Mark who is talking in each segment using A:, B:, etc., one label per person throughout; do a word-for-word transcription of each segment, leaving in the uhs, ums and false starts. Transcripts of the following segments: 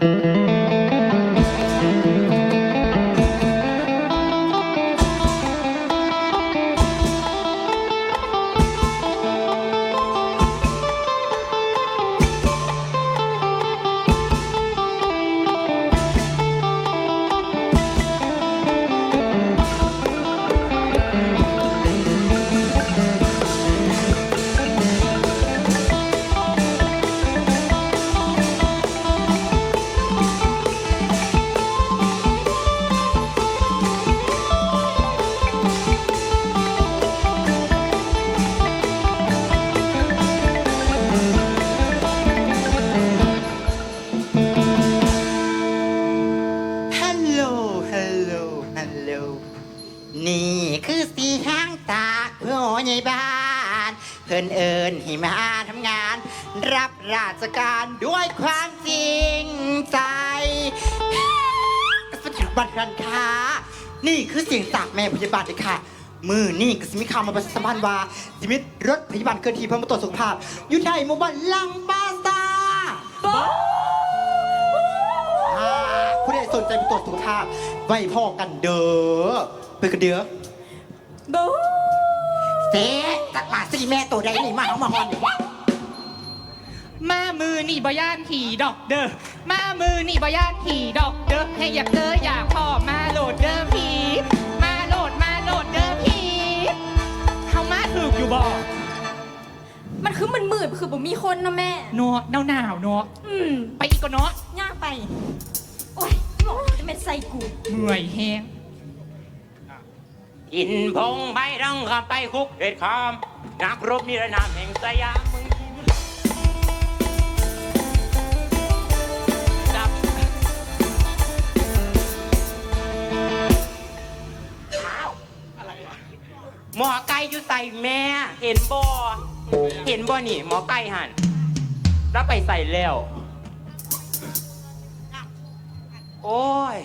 A: นี่คือสีห้างตากเพื่อใหญ่บ้านเพิ่นเอิญให้มาทำงาน รับราชการด้วยความจริงใจสถาบันการค้านี่คือเสียงจากแม่พยาบาลเลยค่ะมือนี่ก็สิมีข่าวมาประชาสัมพันธ์ว่าสิมิรถพยาบาลเกินทีเพื่อมาตรวจสุขภาพอยู่ในหมู่บ้านลังบาซาผู้ใดสนใจไปตรวจสุขภาพไว้พ่อกันเด้อเพื่อกันเด้อบูเสตักมาสิแม่ตัวใดนี่มาเอามาหอน
B: มามือนี่บย่านขี่ดอกเด้อมามือนี่บย่านขี่ดอกเด้อให้อยากเจออยากพ่อมาโหลดเด้อผีมาโหลดมาโหลดเด้อผีเขามาถูกอยู่บ่
C: มันคือมันมืดคือบ่มีคนนะแม่
B: เนาะหนาวหนาวเนาะ
C: อืม
B: ไปอีกก็เนาะ
C: ยากไปโอ้ยบอกจะเป็นไซกู
B: เมื่อยแห้ง
D: อินพงไปรังขับไปคุกเด็ดคามนักรบนิรนามแห่งสยามมึงจับหมอไก่อยู่ใส่แม่เห็นบ่เห็นบ่นี่หมอไก่หันแล้วไปใส่แล้วโอ้ย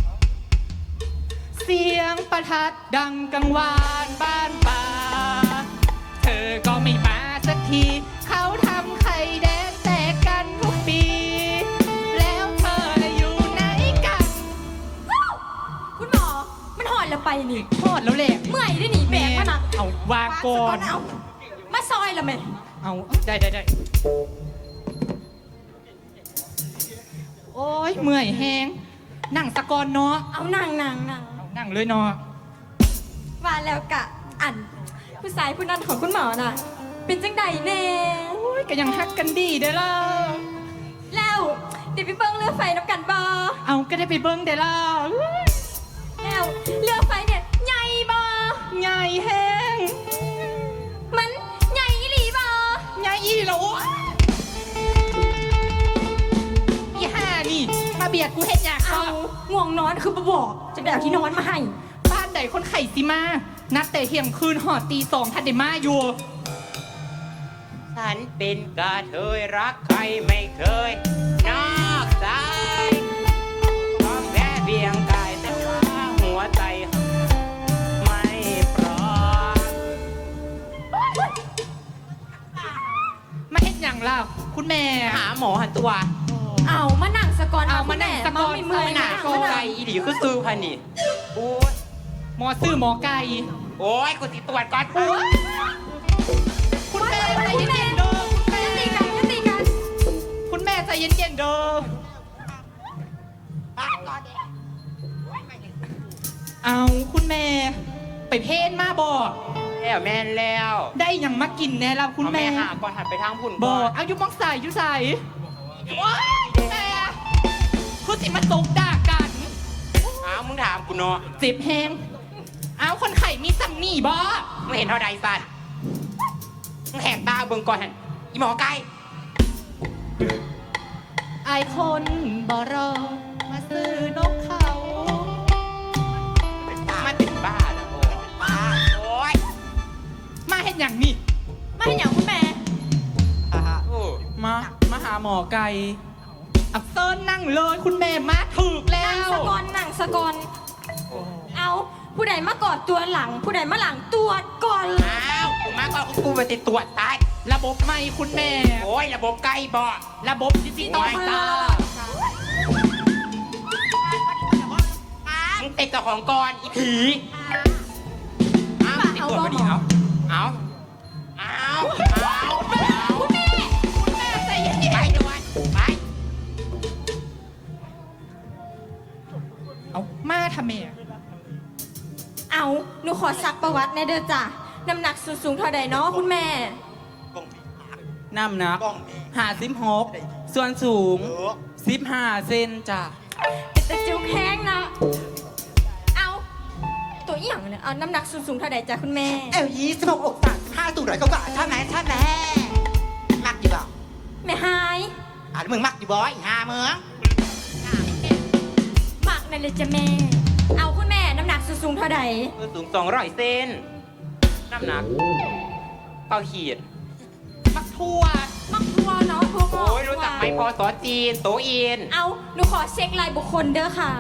B: เสียงประทัดดังกังวานบ้านป่าเธอก็ไม่มาสักทีเขาทำไข่แดงแตกกันทุกปีแล้วเธอละอยู่ไหนกัน
C: คุณหมอมันหอดแล้วไปนี่
B: หอดแล้วแหละ
C: เมื่อยได้หนีแบกมาหนัก
B: เอาวางก่อน
C: เอามาซอยละแม่
B: เอาได้ได้ได้โอ้ยเมื่อยแห้งนั่งสะกอนเนาะ
C: เอานั่งนั่งนั่ง
B: นั่งเลยเนาะ
C: ว่าแล้วกะอันผู้ชายผู้นั้นของคุณหมอน่ะเป็นจังใดแน่
B: โอ้ยก็ยังฮักกันดีเด้อล่ะ
C: แล้วเดี๋ยวไปเบิ้งเรือไฟน้ำกันบ่
B: เอาก็ได้ไปเบิ้งเด้อล่ะ
C: แล้วเรือไฟเนี่ยใหญ่บ่
B: ใหญ่แห้ง
C: มันใหญ่อีหลีบ่
B: ใหญ่อีหลีอีห่านี่มาเบียดกูเฮ็ดอยาก
C: เอาง่วงนอนคือบ่บอกจะแบบที่นอนมาให้
B: บ้านใดคนไข่สิมานัดแต่เที่ยงคืนหอดตีสองทันเดมาอยู่
D: ฉันเป็นกระเทยรักใครไม่เคยนอกใจต้องแค่เพียงกายแต่ว่าหัวใจไม่พร้อม
B: มาเฮ็ดอย่างล่ะคุณแม่
D: หาหมอหันตัว
C: เอามานั่งสะกอน
B: เอามานั่งสะกอน
C: ไม่เมื่อย
D: หนาโกไก่อีหลีก็ซื้อพันนี่โอ้ย
B: หมอซื้อหมอไก่
D: โอ้ยกูสิตรวจก่อน
B: คุณแม่ใจเย็นๆเด้อคุณแม่
C: ตีกันยัตีกัน
B: คุณแม่ใจเย็นๆเด้อเอาคุณแม่ไปเพนมาบ่
D: แล้วแม่นแล้ว
B: ได้ยังมากินแน่แล้วคุณแม่
D: หาก่อนหันไปทางพุ่น
B: บ่เอายุมองใส่ยุใส่ว้ายแม่คุณสิมาตกด่ากัน
D: อ้าวมึงถามกูเนาะ
B: เจ็บแฮงอ้าวคนไข่มีสัมนี่บ่
D: ไม่เห็นเท่าใดสัตว์มึงแหกตาเบิ่งก่อนอีหมอไก่
B: ไอคนบ่รอมาซื้อนกเขา
D: มันเป็นบ้าแล้วโอ้ย
B: มาเห็นอย่างนี้
C: มาเห็นอย่างคุณแม่
B: มามาหาหมอไก่อับเซิร์นั่งเลยคุณแม่มาถึกแล้ว
C: นั่งสะกอนนั่งสะกอนเอาผู้ใดมากอดตัวหลังผู้ใดมาหลังตัวก่อน
D: อ้าวกูมาก่อนกูไปติดตรวจตาย
B: ระบบไม่คุณแม่
D: โอ้ยระบบไก่บ่
B: ระบบดิจิตอลตา
D: เป็นเจ้าของก่อนอีผีเอาติดตัวมาดิเอาเอาเอาเอาเอา
C: คุณแม่คุณแม่ใจเย็น
D: ไปด่วนไป
B: เอามาทำไมอะ
C: ๆเอาหนูขอซักประวัติในเด้อจ้ะน้ำหนักสูงสูงเท่าใดเนาะคุณแม่
D: น้ำหนักห้าสิบหกส่วนสูงสิบห้าเซนจ้ะ
C: เป็นตะจิ้วแข้งนะเอาตัวอหย่างเนี่ยเอาน้ำหนักสูงสูงเท่าใดจ้ะคุณแม่
A: เอวยี่สิบหกอกสามสิบห้าสูงร้อยกว่าใช่ไหมใช่ไหมมักอยู่บ่
C: แม่หาย
A: อ่ะมึงมักอยู่บ่อีห้าเมือง
C: หมักนั่นเลยจ้ะแม่ เอาคุณแม่น้ำหนักสูงสูงเท่าใด
D: สูงสองร้อยเซนน้ำหนักเป้าขีด
B: มักทั่ว
C: มักทัวเนาะทัวงอก
D: โอ้ยรู้จักไหมพอสอจีนโตอิน
C: เอาหนูขอเช็ครายบุคคลเด้อค่ะ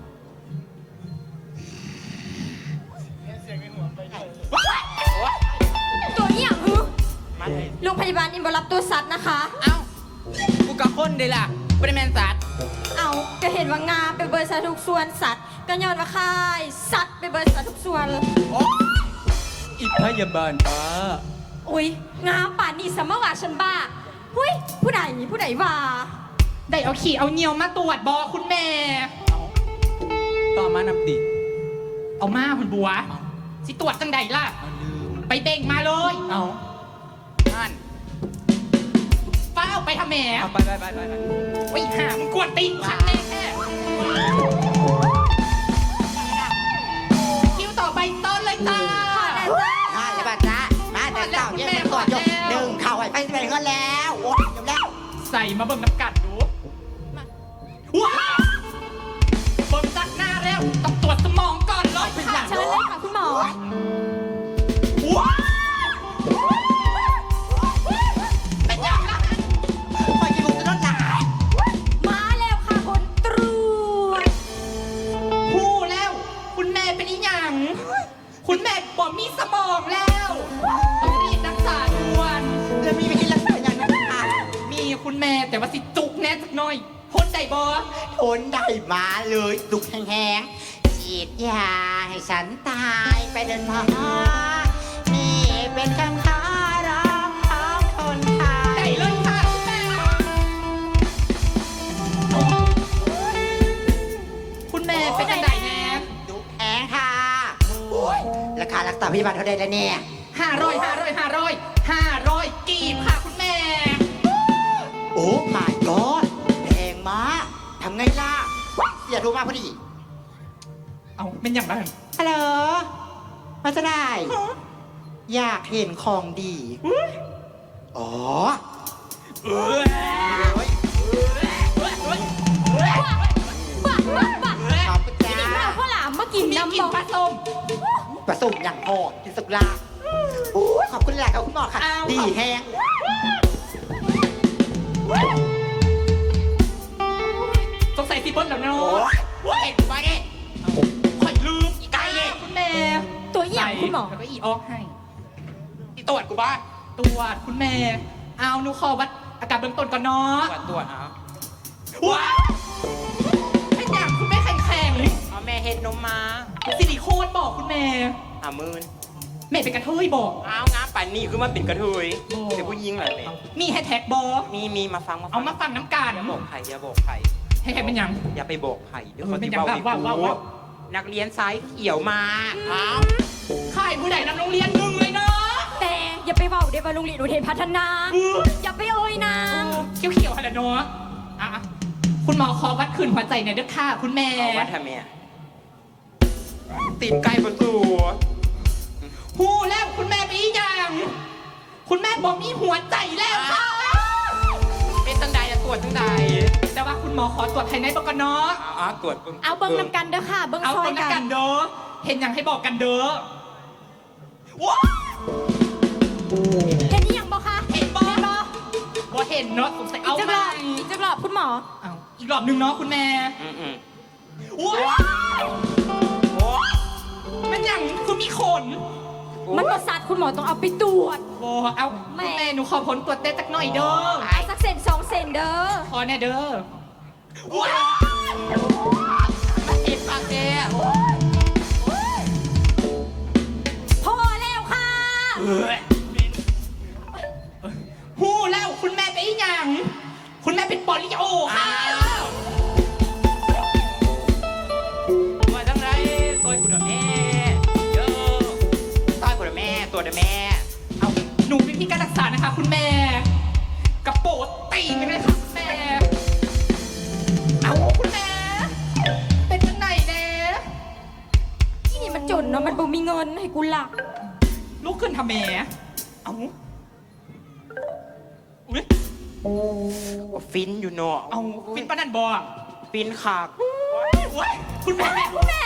C: ตัวอหย่างฮึ
D: มาเลย
C: โรงพยาบาลอินบรับตัวสัตว์นะคะ
D: เอ้ากูกับคนเดล่ะเป็นแมนสัตว์
C: เอาก็เห็นว่างาไปเบิร์สัตว์ทุกส่วนสัตว์ก็ย้อนว่าค่ายสัตว์ไปเบิร์สัตว์ทุกส่วน
D: อีพยาบาลป้า
C: อุ้ยงาป่านนี่สมว่าฉันบ้าหุ้ยผู้ใดผู้ใดว่า
B: ได้เอาขี่เอาเหนียวมาตรวจบอคุณแม่
D: ต่อมานำติ
B: เอามาคุณบัว สิตรวจจังใดล่ะ ไปเบ่งมาเลย
D: เอาท่าน
B: ฟ้าเอาไปทำแหม่
D: เอาไปไปไปไปไป
B: ไปหามึงกวนตีนฉันแน่แค่คิวต่อไปต้นเลยจ้า
A: มาเลยบ้าจ้ามาแต่เต่าเนี่ยเป็นตัวยกหนึ่งเข่าไอ้ไปสิบเอ็ดเงินแล้วโอ้ยจบแล้ว
B: ใส่มาเบิ่งน้ำกัดดูว้าวเบิ่งจากหน้าแล้วต้องตรวจสมองก่อนเลยค่ะ
C: เชิญเลยค่ะคุณหมอ
B: ว้าวเป็นยังไง
A: คอยกินลูกจะลดหลาย
C: มาแล้วค่ะคนตรวจ
B: พูดแล้ว คุณแม่เป็นอีหยัง คุณแม่บอกมีสมองแล้วต้องรีบรักษาด่วน
A: แล้วมีวิธีรักษาอย่างนั้นค่ะ
B: มีคุณแม่แต่ว่าสิจุกแน่สักหน่อยทนได้บอ
A: ทนได้มาเลยตุกแห้งๆฉีดยาให้ฉันตายไปเดินพอนี่เป็นคำขอร้องของคนไท
B: ได้
A: ย
B: เลยค่ะคุณแม่คุณแม่เป็นจังไดแน่
A: ตุกแห้งค่ะโอ้ยราคารักษาพยาบาลเท่าใดแล้วเนี่ย
B: ห้าร้อยห้าร้อยห้าร้อยห้าร้อยกีบค่ะคุณแม่
A: โอ้ my god แพงมากทำไงล่ะ เสียโทรมาพอดี
B: เอาเป็นอย่างไร
A: ฮัลโหลมาจะได้ อยากเห็นของดี อ๋อ
C: บ้าบ้าบ้า
A: ขอบคุณ
C: ที
A: จ้า
C: นี้เราข้าวหลามมากิน
B: มี
C: น้ำ
B: กิ
C: บ
B: น
C: อก
B: ปลาส้ม
A: ผสมอย่างพอกินสุกลาโอ้ยขอบคุณแหละครับคุณหมอค่ะ
B: อ้าว
A: ดีแฮง
B: สงสัยสิเบิ้ลแล้วเนา
A: โอ้
B: ะ
A: ยเว้ยไปดิ
B: ค่อยลืมอีกไก่เลยคุณแม่
C: ตัวอหย่างคุณหมอ
B: แล้วก็อีออกให้
D: ที่ตรวจกูบ้า
B: ตรวจคุณแม่ เอาหนูขอวัดอาการเบื้องต้นก่อนเนาะ
D: ตรวจตรวจเอา
B: ว้าวเป็นอย่างคุณแม่แข็งแข็ง
D: เอาแม่เห็ดนมมา
B: ซิลิโคนบอกคุณแม่
D: หามื่น
B: แม่เป็นกระเทยบอก
D: เอางามป่านนี้คือมันเป็นกระเทย
B: โอ้
D: เป็นผู้หญิงเหรอแม่
B: มีแฮชแท็กบอ
D: มีมีมาฟังมาฟั
B: เอามาฟังน้ำกัน
D: อย่าบอกใครอย่าบอกใคร
B: แฮชแท็กเป็นหยัง
D: อย่าไปบอกใครเดี๋ยวเขา
B: เป็
D: จะ
B: นอย่าง
D: เบาอีก
B: ว่าว่าว่า
D: นักเรียนสายเขียวมาเอา
B: ค่ายผู้ใดนำโรงเรียนหนึ่งเลยเนาะ
C: แต่อย่าไปเบาเดี๋ยวไปโรงเรียนอุเทนพัฒนา อย่าไปเอ่ยนาง
B: เขียวเขียวๆอะไรเนาะอ่ะคุณหมอขอวัดขืนหัวใจหน่อยเด้อค่ะ คุณแม่
D: เอาว่าทำไมอะตีนไก่ประตู
B: หูแล้วคุณแม่ไปอีกอย่าง คุณแม่บอกมีหัวใจแล้วค่ะ
D: เป็นตั้งใดอะตรวจตั้งใด
B: แต่ว่าคุณหมอขอตรวจภายในบอกกันเนาะ
D: เอาเอาตรวจบิ่
C: เอาเบิ้งนำกันเด้อค่ะ เบิ้ง
B: เอา
C: ซอ
B: ค
C: ย
B: นละ
C: กั
B: กัน นเด้อ เห็นอย่างให้บอกกันเด้อว้าว
C: เห็นนี่ยังบอกคะ
B: เห็นบอบ่เห็นเนาะสงสัย
C: อี
B: เอา
C: กจักร
B: ให
C: อ
B: ม่
C: บอีกจักรอบคุณหมอ
B: เอาอีกรอบหนึ่งเนาะคุณแม่
D: อืมอืม
B: ว้าวมันอย่างคือมีขน
C: มันประสาทคุณหมอต้องเอาไปตรวจ
B: บอเอา
C: แม่
B: คุณแม่หนูขอผลตรวจเต้สักหน่อยเด้อ
C: เอาสักเซนสองเซนเด้อ
B: ขอแน่เด้อว้าว
D: เอ็ดปากแก
B: ว้าวหูแล้วคุณแม่ไปอีหยังคุณแม่เป็นปอลิโอค่ะ
D: มาทั้งไรตัวกูเดแม่เยอะ
A: ต้อยกูนะแม่ตัวนะแม่
B: เอาหนูเป็นที่การรักษานะคะ คุณแม่กระโปดตีไปเลยค่ะคุณแม่ เอาคุณแม่ เป็นยังไงแน่
C: ที่นี่มันจนเนาะมันบ่มีเงินให้กูหลัก
B: ลุกขึ้นทำแม่เอาอุ้ย
D: ฟินอยู่เนาะ
B: เอาฟินปะนันบอ
D: ฟินขาก
B: โอ้ยคุณแม่
C: คุณแม่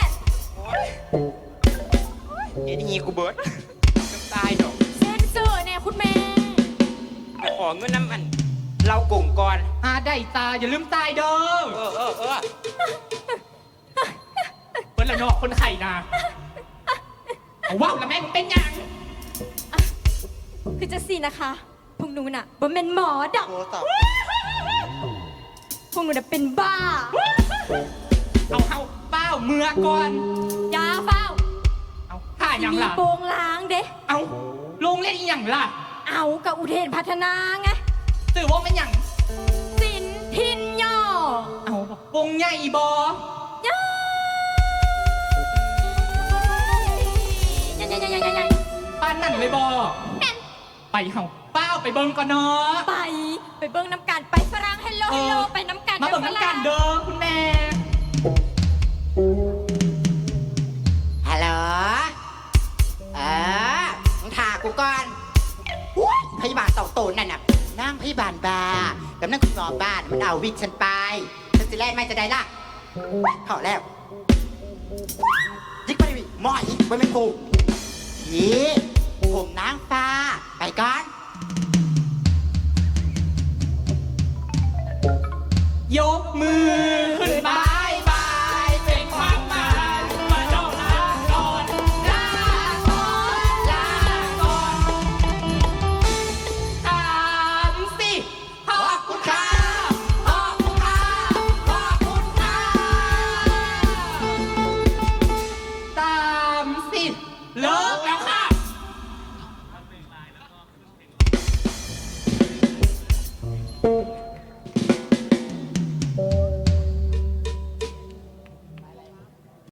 D: เอ็นฮีกูเบิร์ดจะตายดอก
C: เซนเซอร์เนี่ยคุณแม่
D: ไปขอเงินน้ำมัน เรากลุ่มก่อน
B: อาได้ตาอย่าลืมตายเด้อ
D: เออเออเออ
B: เปิ้ลละเนอกคนไข่นะเอาว้าวแล้วแม่งเป็นยัง
C: คือจะสินะคะพวกหนูน่ะบ่เป็นหมอดอก
A: โอ้ตอบ
C: พวกหนูน่ะเป็นบ้า
B: เอาเอาเป้าเมือก่อน
C: ยาเฝ้า
B: เอาผ่ายัง
C: มี
B: ล่ะ
C: โปงล้างเด้
B: เอาลงเล่นอีหยังล่ะ
C: เอากับอุเทนพัฒนาไง
B: สื่อว่ามันหยัง
C: สินทินย่อ
B: เอาวงใหญ่บอย่
C: ยังยังยังยังยัง
B: ป้านนั่นเลยบอไปเฮาเป้าไปเบิ่งก่อนเนาะ
C: ไปไปเบิ้งน้ำกันไปฝรั่งเฮลโลเฮลโลไปน้ำกัน
B: มาเบิ่งน้ำกันเด้อคุณแม่
A: ฮัลโหลเออมึงถ่ากูก่อนอุ๊ยพยาบาลเต่าโตนนั่นน่ะนั่งพยาบาลบาร์กับนั่งคุณหมอบ้านมันเอาวิกฉันไปฉันจะแล่นไม่จะได้ล่ะพอแล้วยิกไปดิหมอยไว้ไม่กูยีผมนางฟ้าไปก่อน
B: ยกมือขึ้นบายบายเป็นความหมายมาดอกลาก่อนลาก่อนลาก่อนถามสิขอบคุณค่ะขอบคุณค่ะขอบคุณค่ะตามสิเลิกแล้วค่ะ